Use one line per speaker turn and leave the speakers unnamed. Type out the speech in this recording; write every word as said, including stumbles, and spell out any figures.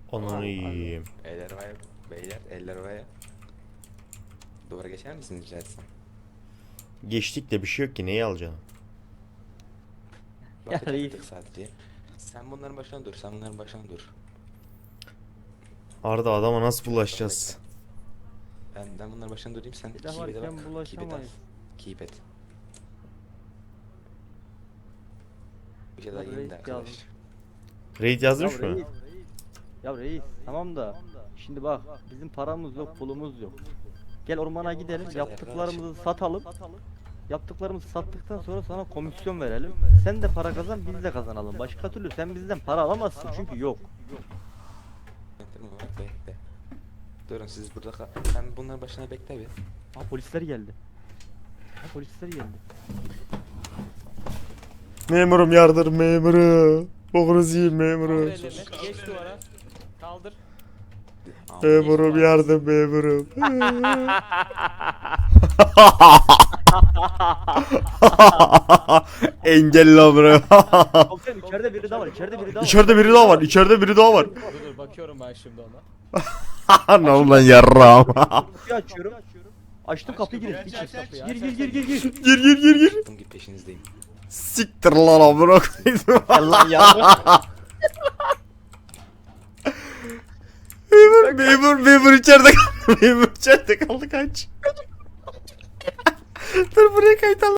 Ananı yiyeyim.
Eller havaya. Beyler eller havaya. Duvara geçer misiniz rica etsem?
Geçtik de bir şey yok ki, neyi alacaksın?
Bakın
reis.
tık sadece. Sen bunların başına dur. Sen bunların başına dur.
Arda, adama nasıl bulaşacağız?
Ben, ben bunların başına durayım. Sen
Bir de
keep et'e
varken
bak. Keep et al.
bulaşamayız.
Keep et. Bir şey
Ya
daha yeni
reis
de arkadaş.
yazmış.
Raid
Ya
yazmış mı?
reis. Ya reis tamam da şimdi bak bizim paramız yok pulumuz yok. Gel ormana gidelim yaptıklarımızı satalım. Yaptıklarımızı sattıktan sonra sana komisyon verelim. Sen de para kazan biz de kazanalım. Başka türlü sen bizden para alamazsın çünkü yok.
Bekle bak bekle. Durun siz burada kal. Sen bunların başına bekle bir.
Ha polisler geldi. Ha polisler geldi.
Memurum yardım memurum. Boğunuz yiyin memurum.
Ellerini geç duvara. Kaldır.
Memurum yardım memurum. Engelli amına.
Komiserim içeride biri daha var içeride biri daha var.
İçeride biri daha var. İçeride biri daha var.
Dur dur bakıyorum ben şimdi ona.
Ne oldu lan yarram?
Kapıyı açıyorum. Açtım kapıyı gir.
Aç, aç, aç,
Gir
aç,
gir gir gir gir.
Gir gir gir gir.
Bunun gibi peşinizdeyim.
Siktir lan amına koydum.
Allah yardım.
Memur memur memur içeride kaldı. Memur içeride kaldı, kaç. Dur buraya kayıt al.